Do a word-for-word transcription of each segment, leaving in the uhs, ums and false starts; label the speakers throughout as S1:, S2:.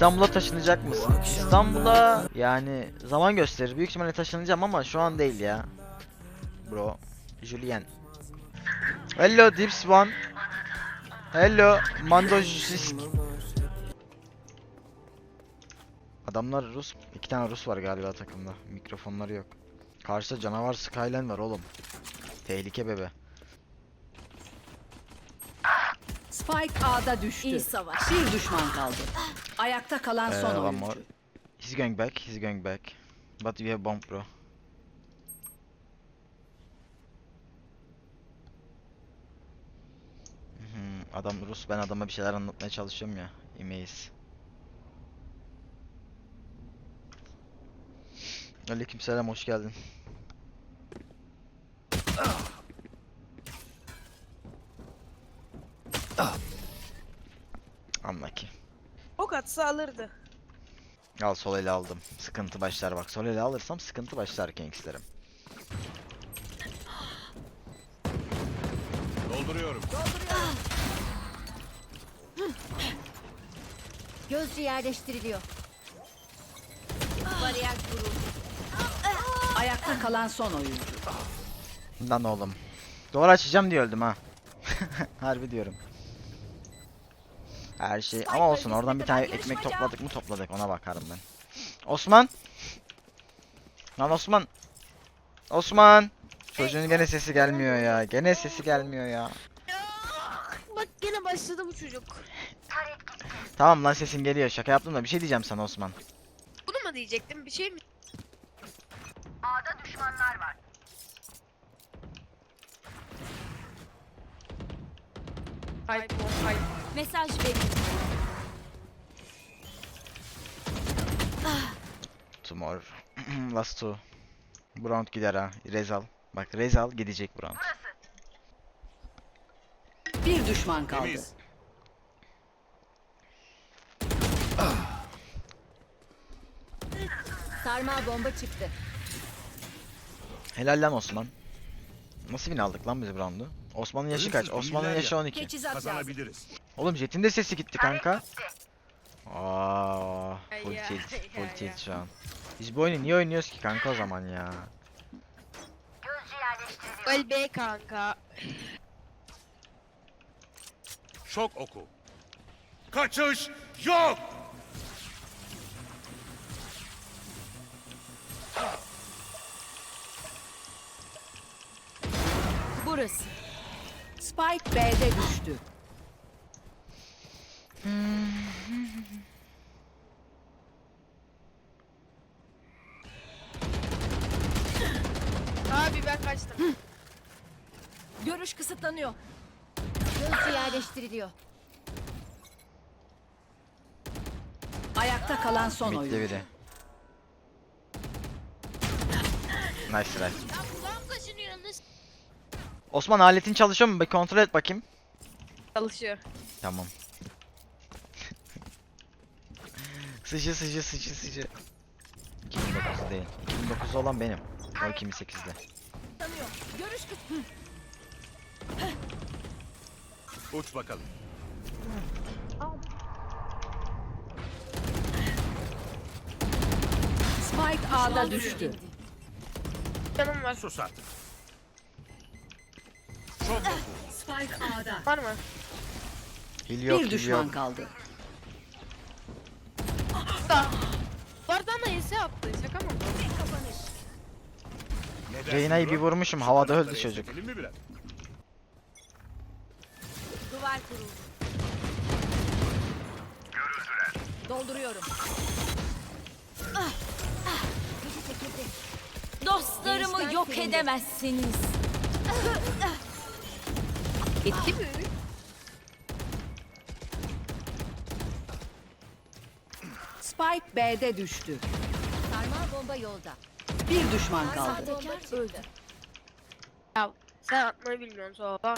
S1: İstanbul'a taşınacak mısın? İstanbul'a yani zaman gösterir. Büyük ihtimalle taşınacağım ama şu an değil ya. Bro. Julien. Hello Dips One. Hello Mandojisk. Adamlar Rus. İki tane Rus var galiba takımda. Mikrofonları yok. Karşıda canavar Skyline var oğlum. Tehlike bebe.
S2: Spike A'da düştü.
S3: İyi savaş.
S2: Bir düşman kaldı. Ayakta kalan
S1: Ee,
S2: son
S1: one
S2: oyuncu.
S1: more. He's going back. He's going back. But we have bomb bro. Hmm, adam Rus. Ben adama bir şeyler anlatmaya çalışıyorum ya. İmeyiz. Aleykümselam, hoş geldin. Unlucky.
S4: Ok atsa alırdı.
S1: Al, sol ele aldım. Sıkıntı başlar bak. Sol ele alırsam sıkıntı başlar gangsterim.
S5: Dolduruyorum.
S3: Gözcü yerleştiriliyor. Bariyer kuruldu.
S2: Ayakta kalan son oyuncu.
S1: Lan oğlum. Doğru açacağım diye öldüm ha. Harbi diyorum. Her şey ama olsun, oradan bir tane ekmek topladık mı topladık, ona bakarım ben. Osman. Lan Osman. Osman. Çocuğun gene sesi gelmiyor ya. Gene sesi gelmiyor ya.
S4: Bak gene başladı bu çocuk.
S1: Tamam lan, sesin geliyor. Şaka yaptım da bir şey diyeceğim sana Osman.
S4: Bunu mu diyecektim, bir şey mi? Hayır, hayır.
S3: Mesaj verin.
S1: Tomorrow. Last two. Bu round gider ha. Rezal. Bak Rezal gidecek bu round.
S2: Bir düşman kaldı.
S5: Temiz.
S3: Sarmal bomba çıktı.
S1: Helal lan Osman. Nasıl win aldık lan biz bu roundu? Osman'ın yaşı kaç?
S5: Ölümsüz
S1: Osman'ın
S5: bilgiler
S1: yaşı
S5: ya.
S1: on iki.
S3: Teçhizat lazım.
S5: Kazanabiliriz.
S1: Oğlum Jet'in de sesi gitti kanka. Aa, full
S4: Ya,
S1: tilt,
S4: ya,
S1: full
S4: ya.
S1: tilt şu an. Biz bu oyunu niye oynuyoruz ki kanka o zaman ya?
S4: Öl be kanka.
S5: Şok oku. Kaçış yok.
S3: Burası.
S2: Spike B'de düştü.
S4: Abi ben kaçtım.
S3: Görüş kısıtlanıyor. Gözcü yerleştiriliyor.
S2: Ayakta kalan son
S1: Mid'de
S2: oyuncu.
S1: biri. Nice try.
S4: Ya kulağım kaşınıyor, nasıl?
S1: Osman, aletin çalışıyor mu? Bir kontrol et bakayım.
S4: Çalışıyor.
S1: Tamam. Sıcı sıcı sıcı sıcı. iki bin dokuz değil. iki bin dokuz olan benim. O iki bin sekizde.
S3: Tanıyor. Görüş kısıtlanıyor.
S5: Uç bakalım.
S2: Spike A'da düştü.
S4: Canım var.
S5: Sus artık. Şok oku.
S2: Spike A'da.
S4: Var mı?
S1: Hil yok,
S2: Bir
S1: hil
S2: düşman
S1: yok.
S2: kaldı.
S4: Da. Bardan da yese attı. Şaka mı?
S5: Ne dersin
S1: Reyna'yı
S5: bro?
S1: bir vurmuşum,
S5: Şu
S1: havada öldü
S5: tarafları
S1: çocuk.
S5: esnetelim mi biraz?
S3: Duvar kuruldu. Dolduruyorum. Ah, ah. Gözü çekildi. Dostlarımı yok edemezsiniz.
S4: Gitti mi?
S2: Spike B'de düştü.
S3: Sarmal bomba yolda.
S2: Bir düşman kaldı.
S3: Sahtekar öldü.
S4: Ya sen atmayı bilmiyorsun sonra.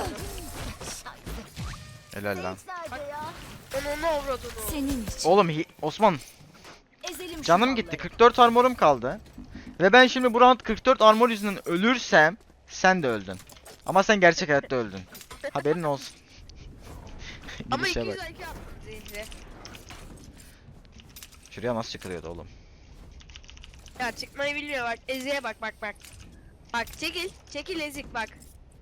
S1: Helal lan.
S3: Nerede ya?
S4: Onu ne avradını?
S3: Senin için.
S1: Oğlum hi- Osman,
S3: Ezelim şu
S1: canım
S3: malları.
S1: gitti. kırk dört armorum kaldı. Ve ben şimdi bu round kırk dört armor yüzünden ölürsem sen de öldün. Ama sen gerçek hayatta öldün. Haberin olsun.
S4: Ama
S1: Gidişe
S4: iki
S1: bak.
S4: yüz I Q attım Zeyin'e.
S1: Şuraya nasıl çıkılıyordu oğlum?
S4: Ya çıkmayı bilmiyor bak. Ezi'ye bak bak bak. Bak çekil. Çekil ezik bak.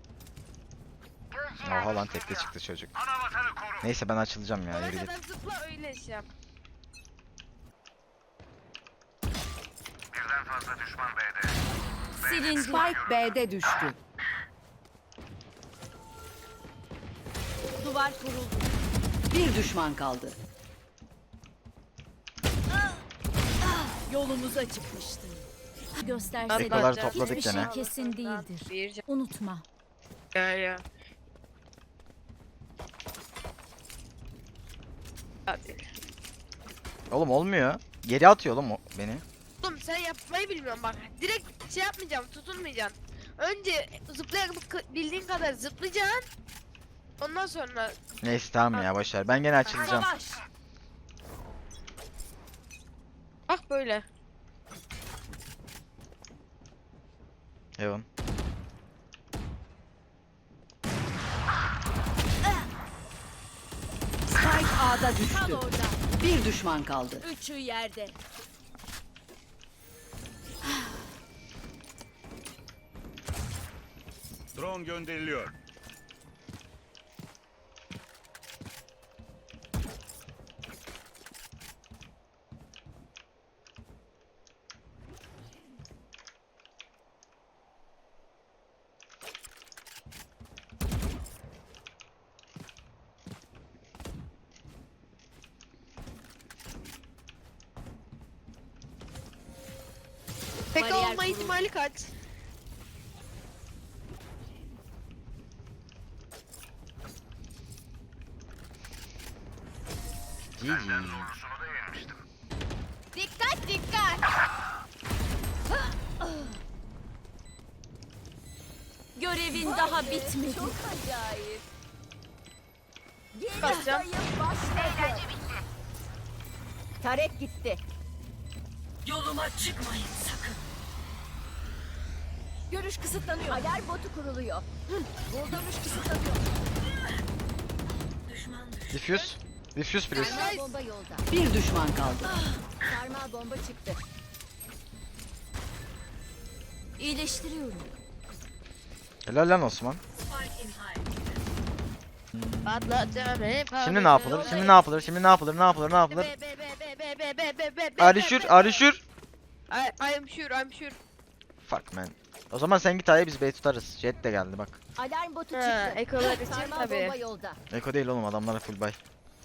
S1: Oha lan tekte çıktı çocuk. Neyse ben açılacağım ya,
S4: Ona
S1: yürü git.
S4: kadar zıpla öyle şey yap.
S3: Silindi.
S2: Spike B'de düştü.
S3: Duvar kuruldu.
S2: Bir düşman kaldı.
S3: Yolumuza çıkmıştı. Gösterse
S1: Ekoları
S4: de
S1: topladık
S3: hiçbir
S1: gene.
S3: şey kesin değildir.
S4: Bir can.
S3: Unutma.
S4: Ya ya. Hadi.
S1: Oğlum olmuyor. Geri atıyor oğlum o beni.
S4: Oğlum sen yapmayı bilmiyorsun bak. Direkt şey yapmayacağım, tutunmayacaksın. Önce zıplayabildiğin kadar zıplayacaksın. Ondan sonra
S1: Neyse tamam ya, boşver. Ben gene açılacağım.
S3: Savaş.
S4: bak böyle.
S1: Evan.
S2: Spike A'da
S3: Kal
S2: düştü.
S3: orada.
S2: Bir düşman kaldı.
S3: Üçü yerde.
S5: Drone gönderiliyor.
S4: Tek
S3: Bariyer
S4: olma
S3: kuruldu.
S4: ihtimali kaç?
S1: G G.
S3: Dikkat dikkat. Görevin daha bitmedi. Çok acayip. Yeni
S4: Basacağım.
S3: sayım başladı. Tarek gitti.
S2: Yoluma çıkmayın sakın.
S3: Görüş kısıtlanıyor. Alarm botu kuruluyor. Görüş kısıtlanıyor.
S1: Diffuse. Diffuse please.
S3: Sarmal bomba yolda.
S2: Bir düşman kaldı.
S3: Sarmal bomba çıktı. İyileştiriyorum.
S1: Helal lan Osman.
S4: Patlatacağım hep.
S1: Şimdi ne yapılır? Şimdi ne yapılır? Şimdi ne yapılır? Ne yapılır? Ne yapılır?
S4: Be be be be be be be be be.
S1: Arışür, arışür.
S4: I I'm sure, I'm sure.
S1: Fuck man. O zaman sen git A'ya, biz B'yi tutarız. Jet de geldi bak.
S3: Alarm botu
S4: Ha,
S3: çıktı.
S4: ekolar için
S3: Sarmal
S4: tabii.
S3: bomba yolda.
S1: Eko değil oğlum, adamlara full buy.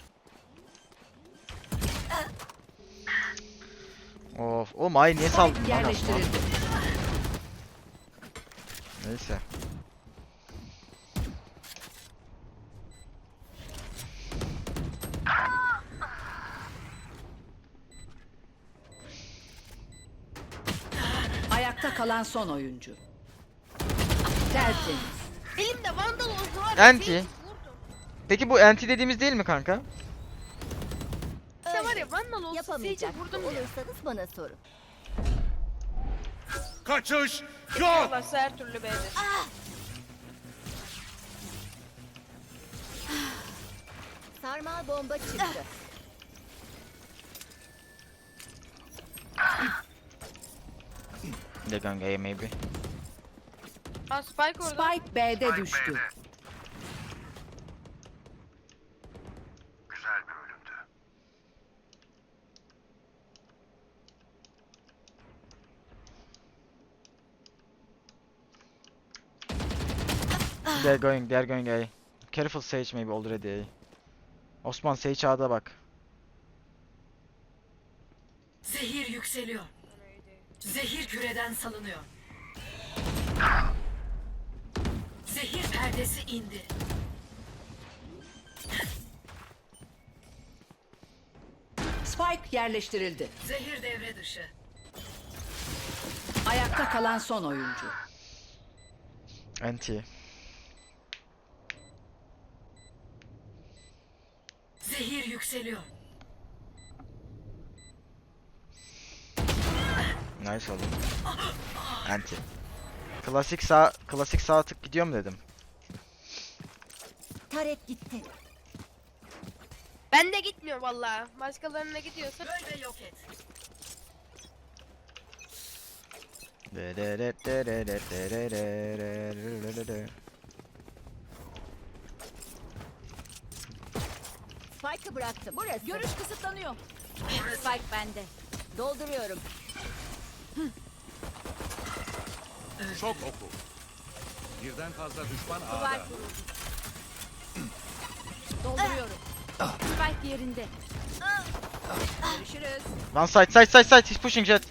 S1: Of, oğlum A'yı niye saldın
S2: Spike
S1: lan Osman?
S2: yerleştirildi.
S1: Neyse.
S2: Ayakta kalan son oyuncu. Tertemiz.
S4: Elimde vandal oldu var.
S1: Anti.
S4: Sage vurdum.
S1: Peki bu anti dediğimiz değil mi kanka?
S4: İşte var ya vandal olsun. Sage'e
S3: Yapamayacak
S4: vurdum ya.
S3: olursanız bana sorun.
S5: Kaçış yok.
S4: Varsa her türlü beğenir.
S3: Sarmal bomba çıktı.
S1: They're going A maybe.
S4: Aa Spike orada.
S2: Spike B'de düştü.
S1: They're going, they're going A. Careful Sage maybe already A. Osman Sage A'da bak.
S6: Zehir yükseliyor. Zehir küreden salınıyor. Zehir perdesi indi.
S2: Spike yerleştirildi.
S6: Zehir devre dışı.
S2: Ayakta kalan son oyuncu.
S1: Anti.
S6: Zehir yükseliyor.
S1: Nice oğlum. Anti. Klasik sağ, klasik sağ tık gidiyor mu dedim.
S3: Tarek gitti.
S4: Ben de gitmiyor vallahi. Başkalarına gidiyorsa.
S6: Böl ve yok et.
S3: Spike'ı bıraktım. Burası. Görüş kısıtlanıyor. Spike bende. Dolduruyorum.
S5: Şok oku. Birden fazla düşman
S3: Duvar
S5: ağda.
S3: kuruldu. Dolduruyorum. Spike yerinde. Görüşürüz.
S1: One side side side side. He's pushing jet.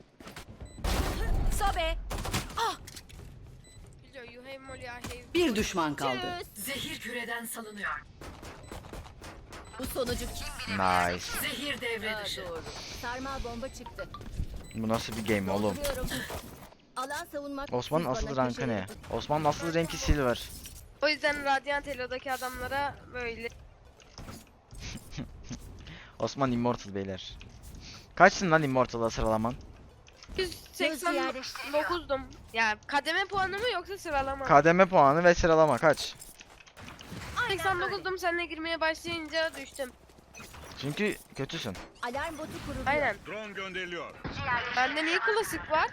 S3: Sobe.
S4: Biliyor, you have molly, I have.
S2: Bir düşman kaldı.
S3: Tschüss.
S6: Zehir küreden salınıyor.
S3: Bu sonucu kim
S1: Nice.
S6: Zehir devre dışı.
S3: doğru. Sarmal bomba çıktı.
S1: Bu nasıl bir game oğlum?
S3: Dolduruyorum. Alan savunmak.
S1: Osman'ın
S3: siz
S1: asıl
S3: bana
S1: rankı
S3: köşe
S1: ne?
S3: yapın.
S1: Osman'ın asıl renki silver.
S4: O yüzden Radiant Elo'daki adamlara böyle.
S1: Osman immortal beyler. Kaçsın lan immortal'a sıralaman?
S4: yüz seksen dokuzdum. Yani kademe puanı mı yoksa sıralama? mı?
S1: Kademe puanı ve sıralama kaç?
S4: seksen dokuzdum, seninle girmeye başlayınca düştüm.
S1: Çünkü kötüsün.
S3: Alarm botu kuruldu.
S4: Aynen.
S5: Drone gönderiliyor.
S4: Bende niye klasik var?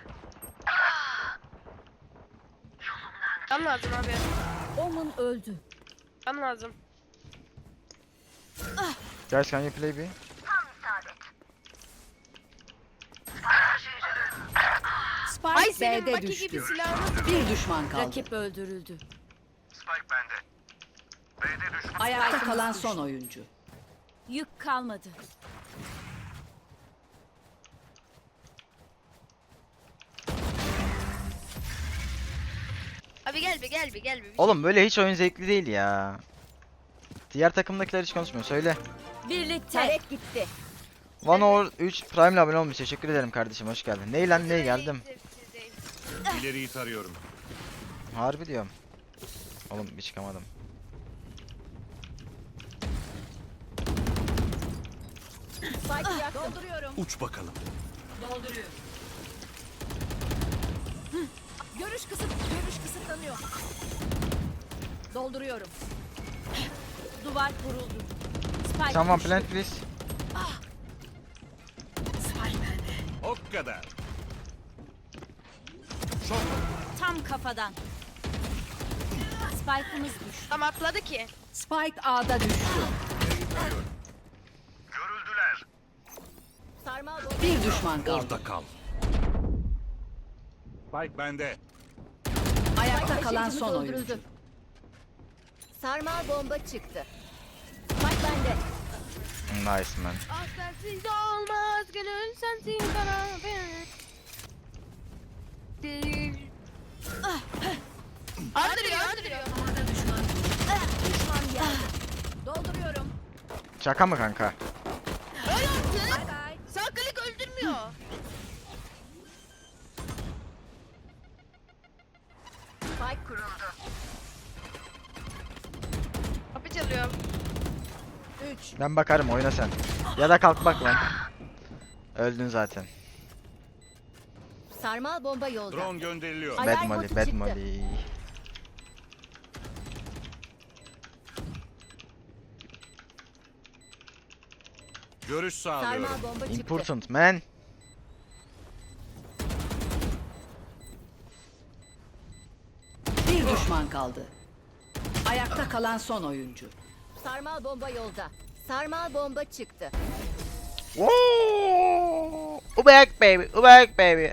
S4: Can lazım abi.
S3: Omun öldü.
S4: Can lazım.
S1: Guys can you play bir?
S4: Ay
S2: Spike
S4: senin
S2: B'de
S4: Baki gibi
S2: düştü.
S4: silahını.
S2: Bir düşman kaldı.
S3: Rakip öldürüldü.
S2: Ayakta kalan son oyuncu.
S3: Yük kalmadı.
S4: Abi gel bir gel bir gel bir.
S1: Oğlum böyle hiç oyun zevkli değil ya. Diğer takımdakiler hiç konuşmuyor. Söyle.
S3: Birlikte. Taret gitti.
S1: One over üç Prime ile abone olmuş. Teşekkür ederim kardeşim. Hoş geldin. Ney lan ney geldim.
S5: İleriyi tarıyorum.
S1: Harbi diyorum. Oğlum bir çıkamadım.
S3: Spike'ı yaktım. Dolduruyorum.
S5: Uç bakalım.
S6: Dolduruyor.
S3: Görüş kısıt, görüş kısıtlanıyor. Dolduruyorum. Duvar kuruldu. Spike
S1: Someone
S3: düştü.
S1: plant please.
S6: Spike bende.
S5: O kadar. Şok.
S3: Tam kafadan. Spike'ımız düştü.
S4: Tam atladı ki.
S2: Spike A'da düştü.
S5: Görüldüler.
S3: Sarmal bomba.
S2: Bir düşman kaldı.
S5: Orada kal. Spike bende.
S2: Ayakta kalan
S3: Taşıyıcımız
S2: son oyuncu.
S3: öldürüldü. Sarmal bomba çıktı. Spike bende.
S1: Nice man.
S4: Ah sensiz olmaz gönül sensin bana ben. Andırıyor andırıyor.
S6: Orada düşman.
S3: Düşman geldi. Dolduruyorum.
S1: Şaka mı kanka?
S4: Öyle artık.
S3: Bay bay.
S4: Sağ klik öldürmüyor.
S3: Spike kuruldu.
S4: Kapı çalıyor.
S3: üç.
S1: Ben bakarım oyna sen. Ya da kalk bak lan. Öldün zaten.
S3: Sarmal bomba yolda.
S5: Drone gönderiliyor.
S3: Ay-
S1: Bad
S3: Alarm
S1: molly,
S3: botu
S1: bad
S3: çıktı.
S1: molly.
S5: Görüş sağlıyorum.
S3: Sarmal bomba çıktı.
S1: Important man.
S2: Bir düşman kaldı. Ayakta kalan son oyuncu.
S3: Sarmal bomba yolda. Sarmal bomba çıktı.
S1: Woo! Ubek baby, ubek baby.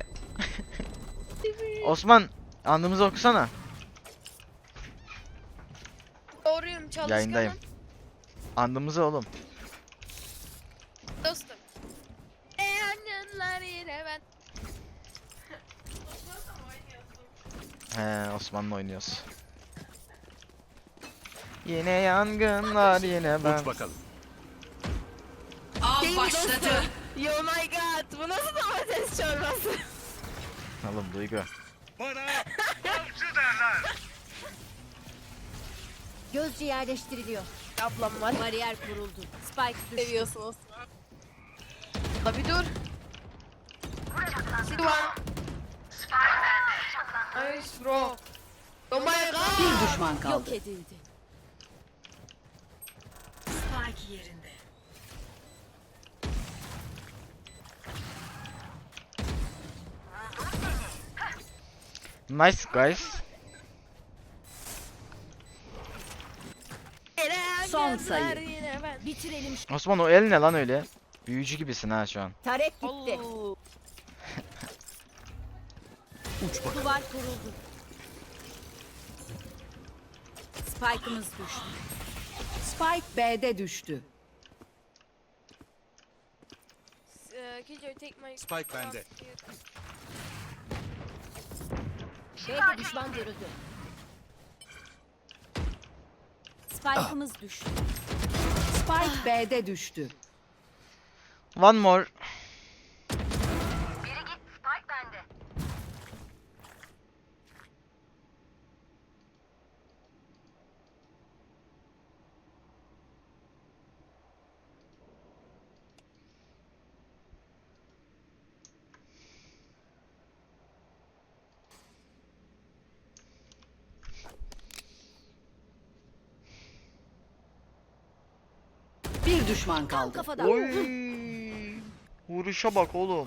S1: Osman, andımızı okusana.
S4: Doğruyum çalışkanım.
S1: Yayındayım. Andımızı oğlum.
S4: Dostum. E yangınlar yine ben.
S1: He, Osman'la oynuyoruz. Yine yangınlar yine ben.
S5: Uç bakalım.
S6: Av başladı.
S4: Oh my god, bu nasıl domates çorbası?
S1: Oğlum Duygu.
S5: Bana avcı derler.
S3: Gözcü yerleştiriliyor.
S4: Ablam var.
S3: Bariyer kuruldu. Spike düştü.
S4: Seviyorsunuz. La bir dur. Sivan. Nice bro. Oh my god.
S2: Bir düşman
S3: Yok
S2: kaldı.
S3: edildi.
S6: Spike yerinde.
S1: Nice guys.
S2: Son sayı.
S4: Yine ben.
S3: Bitirelim. şu-
S1: Osman o el ne lan öyle? Büyücü gibisin ha şu an.
S3: Taret gitti.
S4: Oo.
S3: Duvar kuruldu. Spike'ımız düştü.
S2: Spike B'de düştü.
S4: Eee, Killjoy take my...
S5: Spike bende.
S3: B'de düşman görüldü. Spike'ımız düştü.
S2: Spike B'de düştü.
S1: One more.
S2: Bir düşman
S3: Tam
S2: kaldı.
S3: kafadan.
S1: Oy. Vuruşa bak oğlum.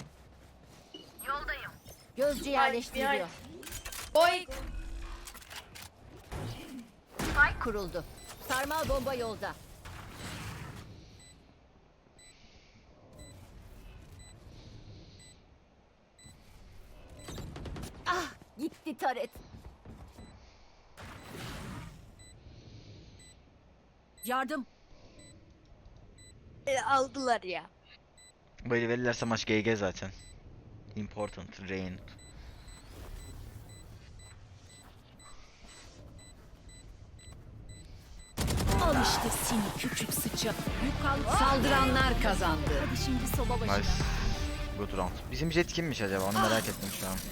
S3: Gözcü yerleştiriliyor.
S4: Oy.
S3: Spike kuruldu. Sarmal bomba yolda. Ah, gitti taret. Yardım.
S4: E, aldılar ya.
S1: Böyle verirlerse maç G G zaten. Important rain.
S3: Al işte seni küçük sıçak. Yukarı
S2: Saldıranlar kazandı.
S3: Hadi şimdi soba başına.
S1: Nice. Good round. Bizim jet kimmiş acaba? Onu merak ettim şu an.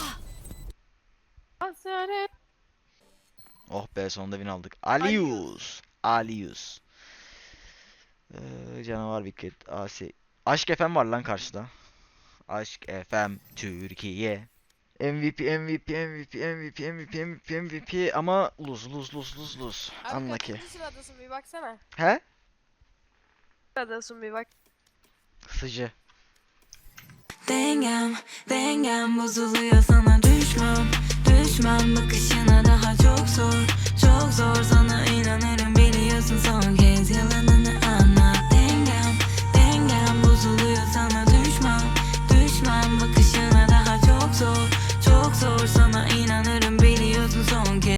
S4: Hasare.
S1: Oh be sonunda win aldık. Alius. Alius. Ee, canavar wicket. Asi. Aşk F M var lan karşıda. Aşk F M Türkiye. M V P, M V P, M V P, M V P, M V P, M V P, M V P ama lose, lose, lose, lose, lose.
S4: Abi
S1: Unlucky.
S4: kaçıncı sıradasın bir baksana.
S1: He?
S4: Sıradasın bir bak.
S1: Sıcı.
S7: Dengem, dengem bozuluyor sana düşmem Düşmem bakışına daha çok zor Çok zor sana